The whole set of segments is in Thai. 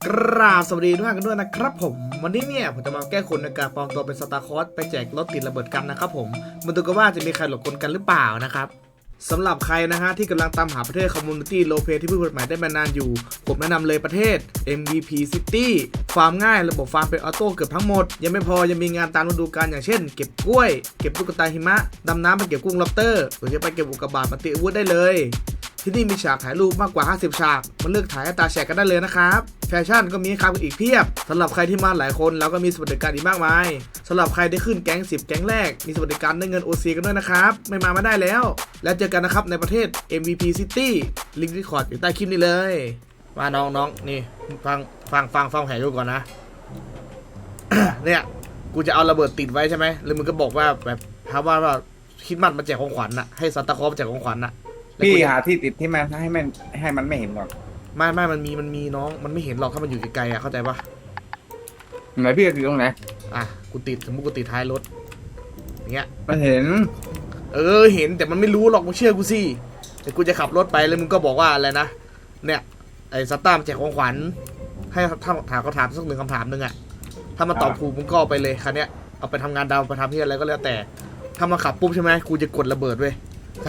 กราบสวัสดีทุกท่านกันด้วยนะครับผมวันนี้เนี่ยผมจะมาแก้คนในการปลอมตัวเป็นสตาร์คอร์สไปแจกรถติดระเบิดกันนะครับผมมาดูกันว่าจะมีใครหลบกลกันหรือเปล่านะครับสำหรับใครนะฮะที่กำลังตามหาประเทศคอมมูนิตี้โลเพที่เพิ่งเปิดใหม่ได้มานานอยู่ผมแนะนำเลยประเทศ MVP City ฟาร์มง่ายระบบฟาร์มเป็นออโต้เกือบทั้งหมดยังไม่พอยังมีงานตามฤดูกาลอย่างเช่นเก็บกล้วยเก็บตุ๊กตาหิมะดำน้ำไปเก็บกุ้งล็อบสเตอร์หรือจะไปเก็บอุกกาบาตมาตีอาวุธได้เลยที่นี่มีฉากถ่ายรูปมากกว่า50ฉากมาเลือกถ่ายให้ตาแฉกกันได้เลยนะครับแฟชั่นก็มีให้ครับอีกเพียบสำหรับใครที่มาหลายคนเราก็มีสวัสดิการอีกมากมายสำหรับใครได้ขึ้นแก๊ง10แก๊งแรกมีสวัสดิการได้เงิน OC กันด้วยนะครับไม่มาไม่ได้แล้วแล้วเจอกันนะครับในประเทศ MVP City ลิงก์รีคอร์ดอยู่ใต้คลิปนี้เลยมาน้องนี่ฟังแผนดูก่อนนะ เนี่ยกูจะเอาระเบิดติดไว้ใช่ไหมแล้วมึงก็บอกว่าแบบถามว่าคิดมัดมาแจกของขวัญน่ะให้ซานตาคลอสมาแจกของขวัญน่ะพี่หาที่ติดที่มันให้มันไม่เห็นก่อนไม่มันมีน้องมันไม่เห็นหรอกถ้ามันอยู่ไกลๆอ่ะเข้าใจปะไหนพี่จะติดตรงไหนอ่ะกูติดสมมติกูติดท้ายรถอย่างเงี้ยมันเห็นเห็นแต่มันไม่รู้หรอกมึงเชื่อกูสิแต่กูจะขับรถไปแล้วมึงก็บอกว่าอะไรนะเนี่ยไอ้ซัตตามแจกของขวัญให้ถามเขาถามสักหนึ่งคำถามนึงอ่ะถ้ามาตอบถูกมึงก็เอาไปเลยคันเนี้ยเอาไปทำงานดาวไปทำที่อะไรก็แล้วแต่ถ้ามาขับปุ๊บใช่ไหมกูจะกดระเบิดเว้ย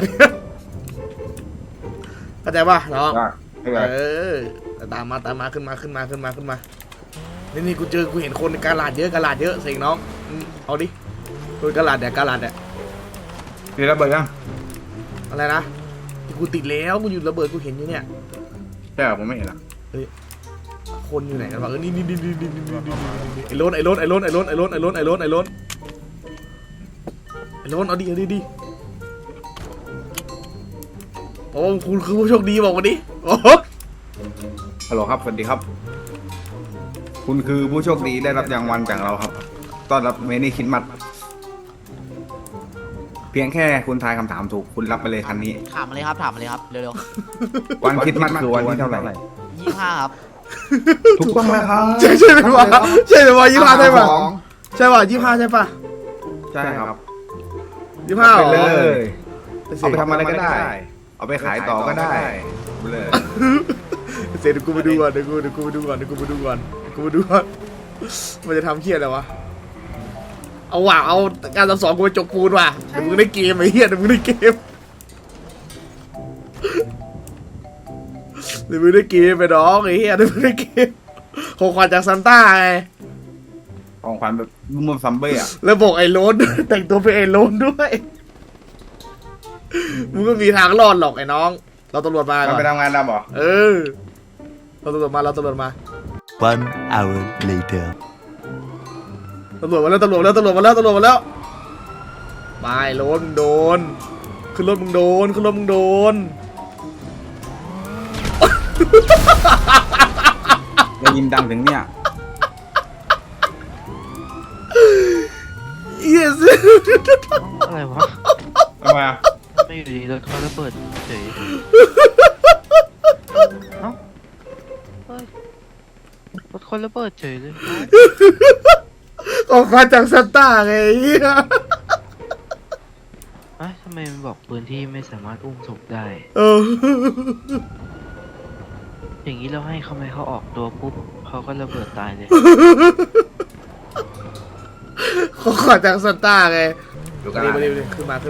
เข้าใจป่ะน้องตามมาขึ้นมานี่กูเห็นคนในกาลาดเยอะเสียงน้องเอาดิคนกาลาดเนี่ยมีระเบิดยังอะไรนะที่กูติดแล้วกูอยู่ระเบิดกูเห็นอยู่เนี่ยใช่ผมไม่เห็นอ่ะเฮ้ยคนอยู่ไหนกันวะนี่ไอ้ล้นเอาดิโอ้คุณคือผู้โชคดีบอกมาดิโอ้ฮัลโหลครับสวัสดีครับคุณคือผู้โชคดีได้รับรางวัลจากเราครับต้อนรับเมนี่คิดมัดเพียงแค่คุณทายคำถามถูกคุณรับไปเลยคันนี้ถามมาเลยครับเร็วๆวันคิดมัดคือวันที่เท่าไหร่ 25ครับถูกต้องแล้วครับใช่ไหมวะ25ใช่ป่ะใช่ป่ะ25ใช่ป่ะใช่ครับ 25 ไปเลยเอาไปทำอะไรก็ได้เอาไปขายต่อก็ได้เลยเดี๋ยวกูไปดูก่อนมันจะทำเคี้ยอะไรวะเอาการสอนกูไปจกปูนว่ะเดี๋ยวมึงได้เกมไอ้เหี้ยเดี๋ยวมึงได้เกมไปน้องไอ้เหี้ยเดี๋ยวมึงได้เกมของขวัญจากซันต้าไงของขวัญแบบมุมซัมเบ้อะแล้วบอกไอ้โลนแต่งตัวเป็นไอ้โลนด้วยมึงก็มีทางรอดหรอกไอ้น้องเราตำรวจมาก่อนไปทำงานดำหรอเราตำรวจมา 1 hour later ตำรวจมาแล้วไปโลนมึงโดนขึ้นรถมึงโดนได้ยินดังถึงเนี่ย yes อะไรวะทำไมอ่ะไม่อยู่ดีรถเขาระเบิดเฉยรถคนระเบิดเฉยเลยของขวัญจากซันต้าไงทำไมมันบอกพื้นที่ไม่สามารถอุ้มศพได้อย่างนี้เราให้เขาไม่เขาออกตัวปุ๊บเขาก็ระเบิดตายเลยของขวัญจากซันต้าไงมาดิขึ้นมา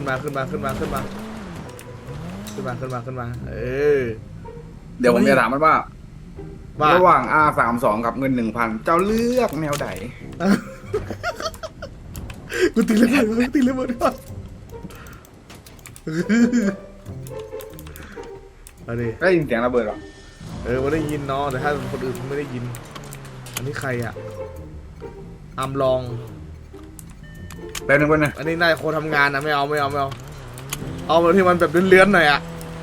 เดี๋ยวผมจะถามมันว่าระหว่าง R32 กับเงิน 1,000 เจ้าเลือกแนวใดกูตีระเบิดก่อนเอาดิได้ยินเสียงระเบิดหรอมันได้ยินเนาะแต่ถ้าคนอื่นไม่ได้ยินอันนี้ใครอ่ะอัมลองแป๊บนึงก่อนนะอันนี้นายโคทำงานนะไม่เอาแบบที่มันแบบเลื้อนๆหน่อยอ่ะ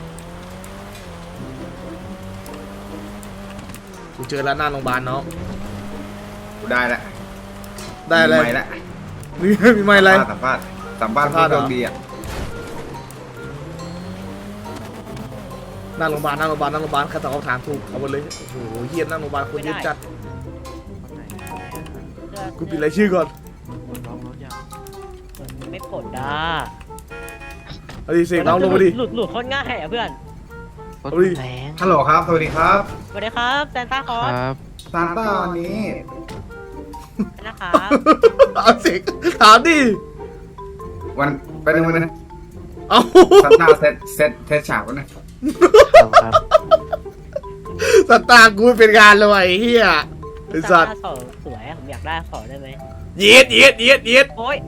กูเจอแล้วหน้าโรงพยาบาลเนาะกูได้แล้วอะไรมีแล้วมีไม่อะไรสัมภาษณ์ผู้โชคดีอ่ะหน้าโรงพยาบาลใครตอบคำถามถูกเอาไปเลยโอ้โหเฮียหน้าโรงพยาบาลคนเยอะจัดกูปิดรายชื่อก่อนไม่กดด้าเอาดิเสกน้องลงมาดิหลุดโคตรง่ายอ่ะเพื่อนเอาดิฮัลโหลครับสวัสดีครับแซนต้าคอสซานต้าวันนี้นะครับเอาสิถามดิวันไปหนึ่งวันนะเอาซานต้าเซตฉากวันนะครับสตาร์กูเป็นงานเลยไอ้เหี้ยไอ้สัตว์ขอสวยผมอยากได้ขอได้ไหมเย็ดเย็ดเย็ดเย็ดโอ้ย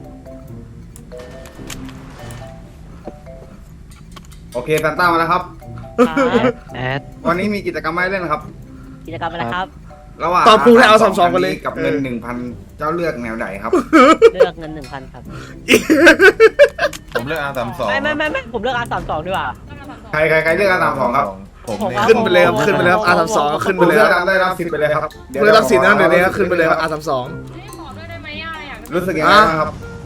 โอเคซานต้ามาแล้วครับครับแอดวันนี้มีกิจกรรมให้เล่นครับกิจกรรมอะไรครับระหว่างตอนพูดให้เอา32กันเลยกับเงิน 1,000 เจ้าเลือกแนวไหนครับเลือกเงิน 1,000 ครับผมเลือก R32 ไม่ผมเลือก R32 ดีกว่าใครเลือกอันดับ2ครับผมผมเนี่ยขึ้นไปเลยครับขึ้นไปเลยครับ R32 ขึ้นไปคุณเลยเลืคอกรับได้รับสิทธิ์ไปเลยครับเพื่อรับสิทธิ์นะเดี๋ยวนี้ครับขึ้นไปเลยครับ R32 รู้สึกยังไงบ้างครับ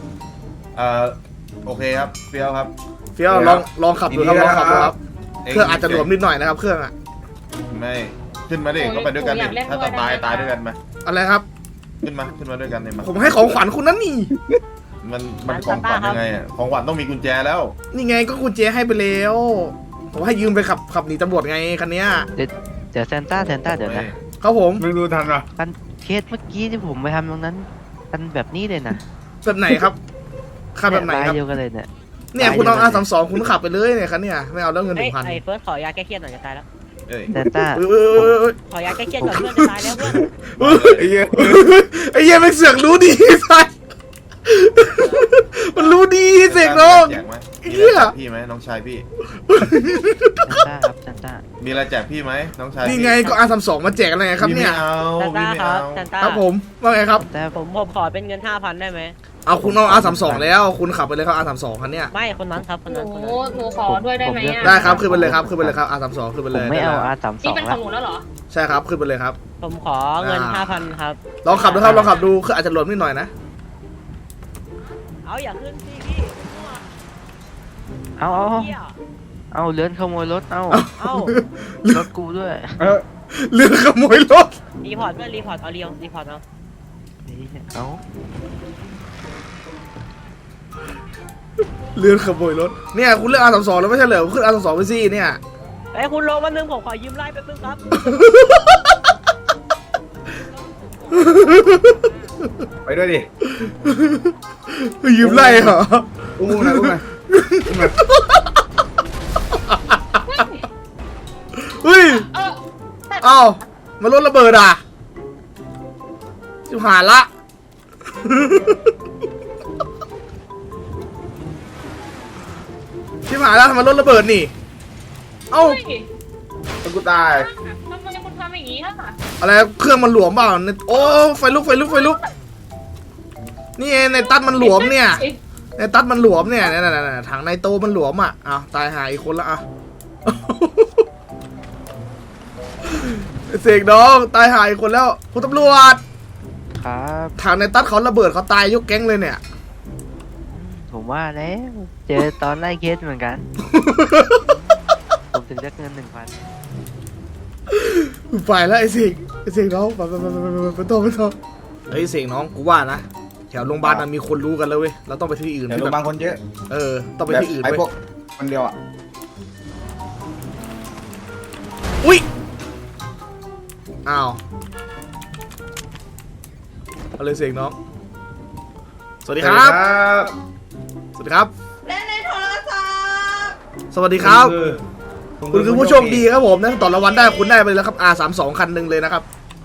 โอเคครับเฟี้ยวครับเฟี้ยวลองขับดูครับลองขับดูครับเครื่องอาจจะหลวมนิดหน่อยนะครับเครื่องอะไม่ขึ้นมาดิก็ไปด้วยกันดิถ้าจะตายด้วยกันไหมอะไรครับขึ้นมาด้วยกันเลยมาผมให้ของขวัญคุณนั่นนี่มันของขวัญยังไงอ่ะของขวัญต้องมีกุญแจแล้วนี่ไงก็คุณเจให้ไปแล้วผมให้ยืมไปขับหนีตำรวจไงคันเนี้ยเดี๋ยวแซนต้าเดี๋ยวนะครับผมมึงดูทันเหรอคันเคสเมื่อกี้ที่ผมไปทำตรงนั้นคันแบบนี้เลยนะแบบไหนครับขับแบบไหนครับลายเดียวกันเลยเนี่ยเนี่ยคุณเอา R32 คุณขับไปเลยเนี่ยคันเนี่ยไม่เอาแล้วเงินเฮ้ย 1,000 ไอ้เฟิร์สขอยาแก้เครียดหน่อยจะตายแล้วเอ้ยแซนต้าเอ้ยขอยาแก้เครียดก่อนเพื่อนจะตายแล้วเพื่อนไอ้เหี้ยไอ้เหี้ยมันเสือกรู้ดีสัสมันรู้ดีเสกน้องแจกไหมเหี้มียอะไรแจกพี่ไหมน้องชายพี่แซนต้าครับแซนต้ามีอะไรแจกพี่ไหมน้องชายนี่พี่ไงก็ R32 มาแจกอะไรครับเนี่ยพี่ไม่เอาซันพี่ต้าไม่ครัเอาบซันต้าครับผมว่าไงครับแต่ผมขอเป็นเงิน 5,000 ได้ไหมเอาคุณเอา R32 แล้วคุณขับไปเลยครับ R32 คันเนี้ยไม่คนนั้นครับคนหนูนั้นคนนั้นหนูขอด้วยได้ไหมอ่ะได้ครับขึ้นไปเลยครับขึ้นไปเลยครับ R32 ขึ้นไปผเลมยไม่เอาด้ R32 นี่เป็นขแล้องวหนูแล้วเหรอใช่ครับขึ้นไปเลยครับผมขอเงิน 5,000 ครับลองขับดูครับลองขับดูคืออาจจะหล่นนิดหน่อยนะเอาอย่าขึ้นสิพี่เอาเหี้ยเอาเลื่อนขโมยรถเอาเอารถกูด้วยเรือขโมยรถรีพอร์ตเพื่อนรีพอร์ตเอารีพอร์ตเอาเอาเรือขโมยรถเนี่ยคุณเลือก R32 แล้วไม่ใช่เหรอขึ้น R32 ไปสิเนี่ยเอ้ยคุณลงมานึงผมขอยืมไล่แป๊บนึงครับไปด้วยดิยืมไล่เหรออุ้มหน่อยอุ้มหน่อยอุ้มหน่อยเฮ้ยเออเอ้ามันรถระเบิดอ่ะจิบหายละชิบหายแล้วทำไมรถระเบิดนี่ เอ้าเฮ้ยกูตายทำไมคุณทำอย่างนี้ล่ะอะไรเครื่องมันหลวมเปล่าเนี่ยโอ้ไฟลุกนี่ไงในตัดมันหลวมเนี่ยในตัดมันหลวมเนี่ยเนี่ยถังไนโตรมันหลวมอ่ะอ้าวตายหายอีกคนละอ่ะ เสกน้องตายหายอีกคนแล้วคุณตำรวจครับถังในตัดเขาระเบิดเขาตายยกแก๊งเลยเนี่ยผมว่าแล้วเจอตอนไล่เคสเหมือนกัน ผมถึงได้เงิน 1,000 ไปแล้วไอ้เสกน้องไปต่อเฮ้ยเสกน้องกูว่านะแถวโรงพยาบาลมันมีคนรู้กันแล้วเว้ยเราต้องไปที่อื่นแต่โรงพยาบาลคนเยอะต้องไปที่อื่นไอ้เว้ยพวกคนเดียวอ่ะอุ้ยอ้าวเอาเลยเสกน้องสวัสดีครับ สวัสดีครับเล่นในโทรศัพท์สวัสดีครับ คุณคือผู้โชคดีครับผมนะต่อรางวัลได้คุณได้ไปแล้วครับ R32 คันหนึ่งเลยนะครับ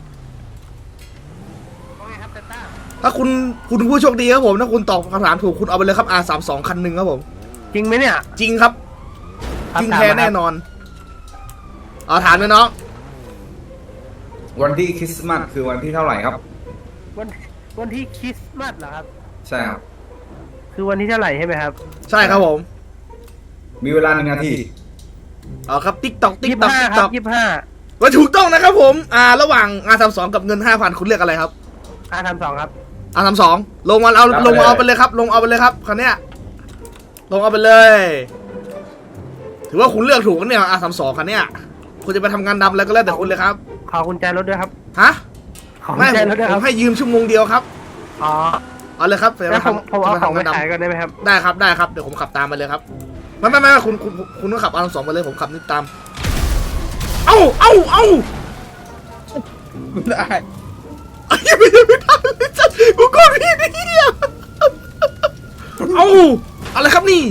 ถ้าคุณผู้โชคดีครับผมถ้าคุณตอบคำถามถูกคุณเอาไปเลยครับ R32 คันหนึ่งครับผมจริงไหมเนี่ยจริงครับจริงแท้แน่นอนเอาถามเลยน้องวันที่คริสต์มาสคือวันที่เท่าไหร่ครับวันที่คริสต์มาสเหรอครับใช่ครับคือวันที่เท่าไหร่ใช่ไหมครับใช่ครับผมมีเวลา1 นาทีเอาครับติ๊กตอกติ๊กตอก 25 ติ๊กคตรัอกบว่าถูกต้องนะครับผมระหว่าง R32 กับเงิน 5,000 คุณเลือกอะไรครับ 25 R32 ครับ R32 ลงมาเอาไปเลยครับลงเอาไปเลยครับคันเนี้ยลงเอาไปเลย ถือว่าคุณเลือกถูกกันเนี่ย R32 คันเนี้ยคุณจะไปทำงานดำอะไรก็แล้วแต่คุณเลยครับขอกุญแจรถด้วยครับฮะขอกุไม่ญแจรถด้วยผครัมบให้ยืมชั่วโมงเดียวครับอ๋อเอาเลยครับแล้วผมเอาของไปขายก่อนได้ไหมครับได้ครับเดี๋ยวผมขับตามไปเลยครับไม่คุณต้องขับ R32 ไปเลยผมขับนี่ตามเอ้าได้ไอ้ยังไม่ได้เลยจ้ะกูกดผิดไอ้เหี้ยเอ้าอะไรครับนี่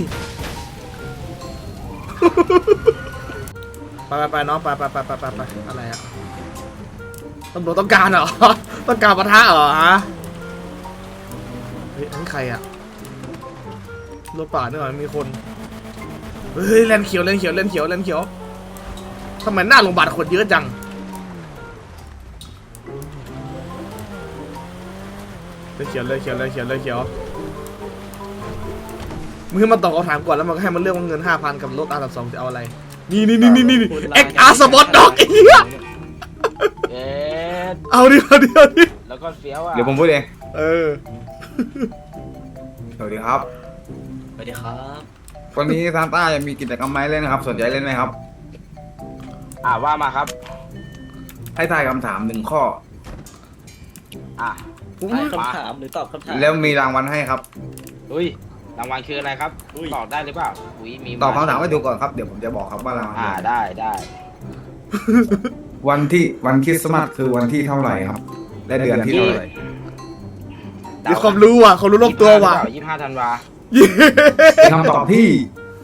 ไปน้องไปอะไรอะตำรวจต้องการเหรอ ต้องการปะทะเหรอฮะเฮ้ยอันนี้ใครอะรถป่าเนี่ยเหรอมีคนเฮ้ยแลนเขียวทำไมหน้าโรงพยาบาลคนเยอะจังเลยเขียวมึงให้มาตอบคำถามก่อนแล้วมันก็ให้มันเลือกว่าเงิน 5,000 กับรถR32จะเอาอะไรนี่XR Sport Dog ไอ้เหี้ยเอ๊ะเอาดิแล้วก็เฟี้ยวอ่ะเดี๋ยวผมพูดเองเออสวัสดีครับสวัสดีครับวันนี้ซานต้ายังมีกิจกรรมไหมเล่นนะครับ สนใจเล่นไหมครับว่ามาครับให้ทายคำถาม1 ข้ออ่ะคำถามหรือตอบคำถามแล้วมีรางวัลให้ครับอุ้ยรางวัลคืออะไรครับตอบได้หรือเปล่าอุ้ยมีตอบคำถามให้ถูกก่อนครับ เดี๋ยวผมจะบอกครับว่ารางวัลได้วันคริสต์มาสคือวันที่เท่าไหร่ครับ และเดือนที่เท่าไหร่มีความรู้อ่ะความรู้รอบตัวว่ะ 25 ธันวาคำตอบที่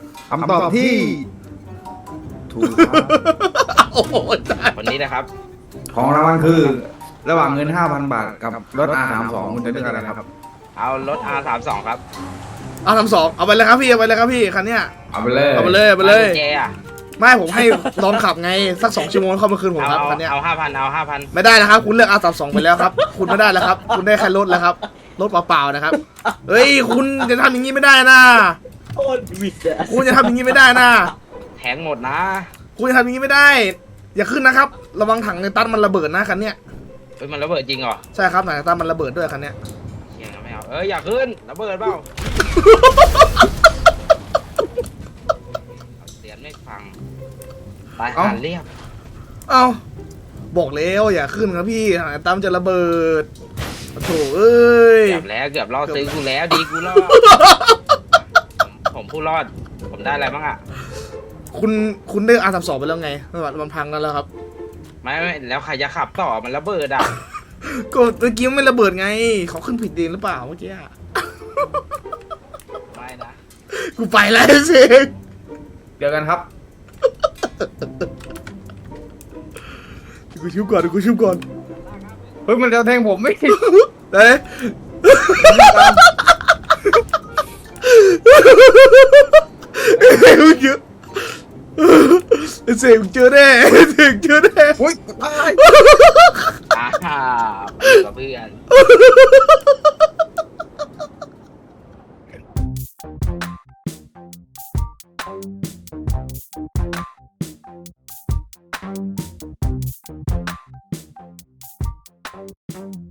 ถูกครับโอ้โหตายวันนี้นะครับของรางวัลคือ ระหว่างเงิน 5,000 บาทกับรถ R32 คุณจะเลือกอะไรครับเอารถ R32 ครับ R32เอาไปเลยครับพี่คันเนี้ยเอาไปเลยเอาไปเลยเจอ่ะไม่ผมให้ลองขับไงสัก2 ชั่วโมงเข้ามาคืนผมครับคันเนี้ยเอา 5,000 ไม่ได้นะครับคุณเลือก R32 ไปแล้วครับ คุณไม่ได้แล้วครับ คุณได้แค่รถแล้วครับรถเปล่าๆนะครับเฮ้ยคุณจะทำอย่างนี้ไม่ได้นะโคตรวิดอะคุณจะทำอย่างนี้ไม่ได้นะแทงหมดนะคุณจะทำอย่างนี้ไม่ได้ อย่าขึ้นนะครับระวังถังในตันมันระเบิดนะคันเนี้ยเฮ้ยมันระเบิดจริงเหรอใช่ครับถังในตันมันระเบิดด้วยคันเนี้ยเชี่ยไม่เอาอย่าขึ้นระเบิดเปล่าเสียงไม่ฟังไปหาเรียบเอ้าบอกแล้วอย่าขึ้นครับพี่ถังในตันมันจะระเบิดโถเอ้ยเกือบล่อซื้อกูแล้วดีกูรอดผมผู้รอดผมได้อะไรบ้างอ่ะคุณได้R32ไปแล้วไงมันพังแล้วครับไม่แล้วใครจะขับต่อมันระเบิดอ่ะก็เมื่อกี้มันไม่ระเบิดไงเขาขึ้นผิดเองหรือเปล่าเมื่อกี้อะไม่นะกูไปแล้วเชงเดี๋ยวกันครับกูชิวก่อนเฮ้ยมันจะแทงผมไม่เฮ้ยมึงเจอเสียงเจอแน่อุ้ยตายกับเพื่อน Thank